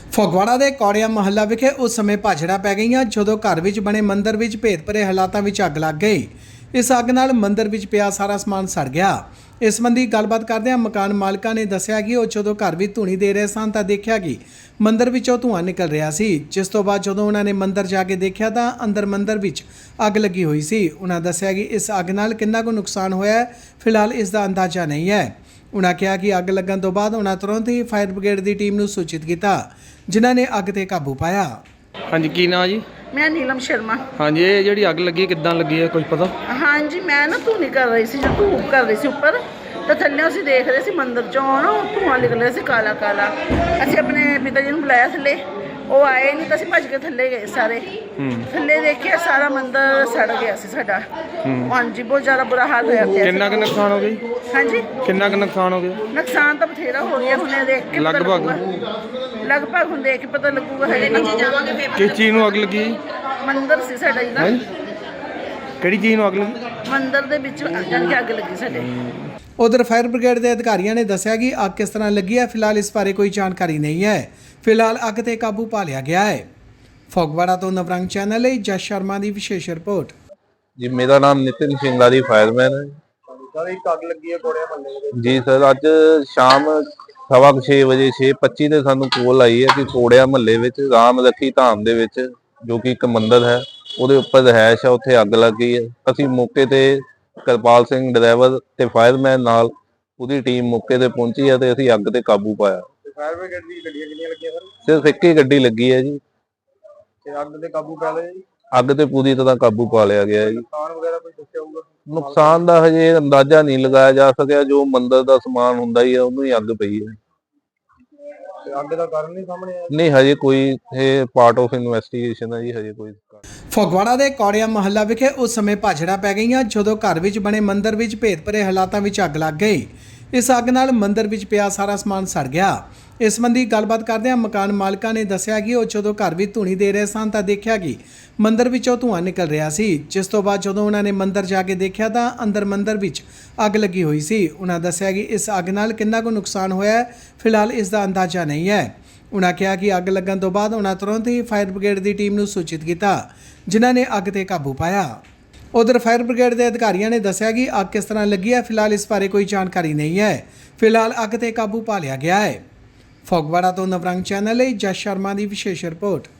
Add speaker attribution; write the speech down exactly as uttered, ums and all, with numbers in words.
Speaker 1: ਫਗਵਾੜਾ ਦੇ ਕੌੜਿਆ ਮਹੱਲਾ ਵਿਖੇ ਉਸ ਸਮੇਂ ਭਾਜੜਾ ਪੈ ਗਈਆਂ ਜਦੋਂ ਘਰ ਵਿੱਚ ਬਣੇ ਮੰਦਿਰ ਵਿੱਚ ਭੇਦ ਭਰੇ ਹਾਲਾਤਾਂ ਵਿੱਚ ਅੱਗ ਲੱਗ ਗਈ। ਇਸ ਅੱਗ ਨਾਲ ਮੰਦਿਰ ਵਿੱਚ ਪਿਆ ਸਾਰਾ ਸਮਾਨ ਸੜ ਗਿਆ। ਇਸ ਸੰਬੰਧੀ ਗੱਲਬਾਤ ਕਰਦਿਆਂ ਮਕਾਨ ਮਾਲਕਾਂ ਨੇ ਦੱਸਿਆ ਕਿ ਉਹ ਜਦੋਂ ਘਰ ਵਿੱਚ ਧੂਣੀ ਦੇ ਰਹੇ ਸਨ ਤਾਂ ਦੇਖਿਆ ਕਿ ਮੰਦਿਰ ਵਿੱਚੋਂ ਧੂੰਆਂ ਨਿਕਲ ਰਿਹਾ ਸੀ, ਜਿਸ ਤੋਂ ਬਾਅਦ ਜਦੋਂ ਉਹਨਾਂ ਨੇ ਮੰਦਿਰ ਜਾ ਕੇ ਦੇਖਿਆ ਤਾਂ ਅੰਦਰ ਮੰਦਿਰ ਵਿੱਚ ਅੱਗ ਲੱਗੀ ਹੋਈ ਸੀ। ਉਹਨਾਂ ਦੱਸਿਆ ਕਿ ਇਸ ਅੱਗ ਨਾਲ ਕਿੰਨਾ ਕੁ ਨੁਕਸਾਨ ਹੋਇਆ ਹੈ, ਫਿਲਹਾਲ ਇਸ ਦਾ ਅੰਦਾਜ਼ਾ ਨਹੀਂ ਹੈ। ਉਹਨਾਂ ਕਿਹਾ ਕਿ ਅੱਗ ਲੱਗਣ ਤੋਂ ਬਾਅਦ ਉਹਨਾਂ ਤੁਰੰਤ ਹੀ ਫਾਇਰ ਬ੍ਰਿਗੇਡ ਦੀ ਟੀਮ ਨੂੰ ਸੂਚਿਤ ਕੀਤਾ, ਜਿਨ੍ਹਾਂ ਨੇ ਅੱਗ ਤੇ ਕਾਬੂ ਪਾਇਆ।
Speaker 2: ਹਾਂਜੀ, ਕੀ ਨਾਂ ਜੀ?
Speaker 3: ਮੈਂ ਨੀਲਮ ਸ਼ਰਮਾ।
Speaker 2: ਹਾਂਜੀ, ਇਹ ਜਿਹੜੀ ਅੱਗ ਲੱਗੀ ਕਿੱਦਾਂ ਲੱਗੀ ਹੈ, ਕੁਝ ਪਤਾ?
Speaker 3: ਹਾਂਜੀ, ਮੈਂ ਨਾ ਧੂਣੀ ਕਰ ਰਹੀ ਸੀ, ਜੋ ਧੂਪ ਕਰ ਰਹੀ ਸੀ ਉੱਪਰ, ਤਾਂ ਥੱਲੇ ਅਸੀਂ ਦੇਖ ਰਹੇ ਸੀ ਮੰਦਿਰ ਚੋਂ ਨਾ ਧੂੰਆਂ ਨਿਕਲ ਰਿਹਾ ਸੀ ਕਾਲਾ ਕਾਲਾ। ਅਸੀਂ ਆਪਣੇ ਪਿਤਾ ਜੀ ਨੂੰ ਬੁਲਾਇਆ ਥੱਲੇ, ਉਹ ਆਏ ਨਹੀਂ ਤਾਂ ਅਸੀਂ ਭੱਜ ਕੇ ਥੱਲੇ ਗਏ ਸਾਰੇ। ਥੱਲੇ ਦੇਖਿਆ ਸਾਰਾ ਮੰਦਿਰ ਸੜ ਗਿਆ ਸੀ ਸਾਡਾ। ਹਾਂਜੀ, ਬਹੁਤ ਜ਼ਿਆਦਾ ਬੁਰਾ ਹਾਲ ਹੋਇਆ ਪਿਆ।
Speaker 2: ਕਿੰਨਾ ਕੁ ਨੁਕਸਾਨ ਹੋ ਗਿਆ ਜੀ?
Speaker 3: ਹਾਂਜੀ,
Speaker 2: ਕਿੰਨਾ ਕੁ ਨੁਕਸਾਨ ਹੋ ਗਿਆ?
Speaker 3: ਨੁਕਸਾਨ ਤਾਂ ਬਥੇਰਾ ਹੋ ਗਿਆ, ਹੁਣੇ ਦੇਖ ਕੇ ਪਤਾ
Speaker 2: ਲਗਭਗ
Speaker 3: ਲੱਗੂਗਾ। ਲਗਭਗ ਹੁਣ ਦੇਖ ਕੇ ਪਤਾ ਲੱਗੂਗਾ। ਹਜੇ ਨਹੀਂ ਜਾਵਾਂਗੇ ਫੇਰ।
Speaker 2: ਕਿਸ ਚੀਜ਼ ਨੂੰ ਅੱਗ ਲੱਗੀ ਜੀ?
Speaker 3: ਮੰਦਿਰ ਸੀ ਸਾਡਾ ਜੀ ਦਾ।
Speaker 2: ਕਿਹੜੀ ਚੀਜ਼ ਨੂੰ ਅੱਗ ਲੱਗੀ?
Speaker 3: ਮੰਦਿਰ ਦੇ ਵਿੱਚ ਜਾਣ ਕੇ ਅੱਗ ਲੱਗੀ ਸਾਡੇ।
Speaker 1: ਉਧਰ ਫਾਇਰ ਬ੍ਰਿਗੇਡ ਦੇ ਅਧਿਕਾਰੀਆਂ ਨੇ ਦੱਸਿਆ ਕਿ ਅੱਗ ਕਿਸ ਤਰ੍ਹਾਂ ਲੱਗੀ ਹੈ, ਫਿਲਹਾਲ ਇਸ ਬਾਰੇ ਕੋਈ ਜਾਣਕਾਰੀ ਨਹੀਂ ਹੈ। ਫਿਲਹਾਲ ਅੱਗ ਤੇ ਕਾਬੂ ਪਾ ਲਿਆ ਗਿਆ ਹੈ। ਫਗਵਾੜਾ ਤੋਂ ਨਵਰੰਗ ਚੈਨਲ ਲਈ ਜਸ ਸ਼ਰਮਾ ਦੀ ਵਿਸ਼ੇਸ਼ ਰਿਪੋਰਟ।
Speaker 4: ਜੀ, ਮੇਰਾ ਨਾਮ ਨਿਤਿਨ ਸਿੰਗਾਰੀ ਫਾਇਰਮੈਨ ਹੈ।
Speaker 5: ਸਰ, ਇੱਕ ਅੱਗ ਲੱਗੀ ਹੈ ਕੋੜਿਆ ਮਹੱਲੇ ਦੇ।
Speaker 4: ਜੀ ਸਰ, ਅੱਜ ਸ਼ਾਮ ਸਵਾ ਛੇ ਵਜੇ ਛੇ ਪੱਚੀ ਤੇ ਸਾਨੂੰ ਕੋਲ ਆਈ ਹੈ ਕਿ ਕੋੜਿਆ ਮਹੱਲੇ ਵਿੱਚ ਰਾਮ ਰੱਖੀ ਧਾਮ ਦੇ ਵਿੱਚ, ਜੋ ਕਿ ਇੱਕ ਮੰਦਿਰ ਹੈ, ਉਹਦੇ ਉੱਪਰ ਰਹਿائش ਹੈ, ਉੱਥੇ ਅੱਗ ਲੱਗ ਗਈ ਹੈ। ਅਸੀਂ ਮੌਕੇ ਤੇ ਕਿਰਪਾਲ ਸਿੰਘ ਡਰਾਈਵਰ ਤੇ ਫਾਇਰਮੈਨ ਨਾਲ ਉਹਦੀ ਟੀਮ ਮੌਕੇ ਤੇ ਪਹੁੰਚੀ ਹੈ ਤੇ ਅਸੀਂ ਅੱਗ ਤੇ ਕਾਬੂ ਪਾਇਆ।
Speaker 5: ਫਾਇਰ ਬ੍ਰਿਗੇਡ ਦੀ ਗੱਡੀਆਂ ਕਿੰਨੀਆਂ ਲੱਗੀਆਂ ਸਰ?
Speaker 4: ਸਿਰਫ ਇੱਕ ਹੀ ਗੱਡੀ ਲੱਗੀ ਹੈ ਜੀ।
Speaker 5: ਤੇ ਅੱਗ ਤੇ ਕਾਬੂ ਪਾ ਲਿਆ ਜੀ?
Speaker 4: ਅੱਗ ਤੇ ਪੂਰੀ ਤਰ੍ਹਾਂ ਕਾਬੂ ਪਾ ਲਿਆ ਗਿਆ ਹੈ ਜੀ।
Speaker 5: ਨੁਕਸਾਨ ਵਗੈਰਾ ਕੋਈ ਦੱਸਿਆ ਹੋਊਗਾ?
Speaker 4: ਨੁਕਸਾਨ ਦਾ ਹਜੇ ਅੰਦਾਜ਼ਾ ਨਹੀਂ ਲਗਾਇਆ ਜਾ ਸਕਿਆ। ਜੋ ਮੰਦਿਰ ਦਾ ਸਮਾਨ ਹੁੰਦਾ ਹੀ ਹੈ, ਉਹਨੂੰ ਹੀ ਅੱਗ ਪਈ ਹੈ।
Speaker 5: ਤੇ ਅੱਗ ਦਾ ਕਾਰਨ ਨਹੀਂ ਸਾਹਮਣੇ ਆਇਆ?
Speaker 4: ਨਹੀਂ, ਹਜੇ ਕੋਈ, ਇਹ ਪਾਰਟ ਆਫ ਇਨਵੈਸਟੀਗੇਸ਼ਨ ਹੈ ਜੀ, ਹਜੇ ਕੋਈ।
Speaker 1: ਫਗਵਾੜਾ ਦੇ ਕੌੜਿਆ ਮਹੱਲਾ ਵਿਖੇ ਉਸ ਸਮੇਂ ਭਾਜੜਾ ਪੈ ਗਈਆਂ ਜਦੋਂ ਘਰ ਵਿੱਚ ਬਣੇ ਮੰਦਿਰ ਵਿੱਚ ਭੇਦ ਭਰੇ ਹਾਲਾਤਾਂ ਵਿੱਚ ਅੱਗ ਲੱਗ ਗਈ। ਇਸ ਅੱਗ ਨਾਲ ਮੰਦਿਰ ਵਿੱਚ ਪਿਆ ਸਾਰਾ ਸਮਾਨ ਸੜ ਗਿਆ। ਇਸ ਸੰਬੰਧੀ ਗੱਲਬਾਤ ਕਰਦਿਆਂ ਮਕਾਨ ਮਾਲਕਾਂ ਨੇ ਦੱਸਿਆ ਕਿ ਉਹ ਜਦੋਂ ਘਰ ਵਿੱਚ ਧੂਣੀ ਦੇ ਰਹੇ ਸਨ ਤਾਂ ਦੇਖਿਆ ਕਿ ਮੰਦਿਰ ਵਿੱਚੋਂ ਧੂੰਆਂ ਨਿਕਲ ਰਿਹਾ ਸੀ, ਜਿਸ ਤੋਂ ਬਾਅਦ ਜਦੋਂ ਉਹਨਾਂ ਨੇ ਮੰਦਿਰ ਜਾ ਕੇ ਦੇਖਿਆ ਤਾਂ ਅੰਦਰ ਮੰਦਿਰ ਵਿੱਚ ਅੱਗ ਲੱਗੀ ਹੋਈ ਸੀ। ਉਹਨਾਂ ਦੱਸਿਆ ਕਿ ਇਸ ਅੱਗ ਨਾਲ ਕਿੰਨਾ ਕੁ ਨੁਕਸਾਨ ਹੋਇਆ ਹੈ, ਫਿਲਹਾਲ ਇਸ ਦਾ ਅੰਦਾਜ਼ਾ ਨਹੀਂ ਹੈ। ਉਹਨਾਂ ਕਿਹਾ ਕਿ ਅੱਗ ਲੱਗਣ ਤੋਂ ਬਾਅਦ ਉਹਨਾਂ ਤੁਰੰਤ ਹੀ ਫਾਇਰ ਬ੍ਰਿਗੇਡ ਦੀ ਟੀਮ ਨੂੰ ਸੂਚਿਤ ਕੀਤਾ, ਜਿਨ੍ਹਾਂ ਨੇ ਅੱਗ ਤੇ ਕਾਬੂ ਪਾਇਆ। ਉਧਰ ਫਾਇਰ ਬ੍ਰਿਗੇਡ ਦੇ ਅਧਿਕਾਰੀਆਂ ਨੇ ਦੱਸਿਆ ਕਿ ਅੱਗ ਕਿਸ ਤਰ੍ਹਾਂ ਲੱਗੀ ਹੈ, ਫਿਲਹਾਲ ਇਸ ਬਾਰੇ ਕੋਈ ਜਾਣਕਾਰੀ ਨਹੀਂ ਹੈ। ਫਿਲਹਾਲ ਅੱਗ ਤੇ ਕਾਬੂ ਪਾ ਲਿਆ ਗਿਆ ਹੈ। ਫਗਵਾੜਾ ਤੋਂ ਨਵਰੰਗ ਚੈਨਲ ਲਈ ਜਸ ਸ਼ਰਮਾ ਦੀ ਵਿਸ਼ੇਸ਼ ਰਿਪੋਰਟ।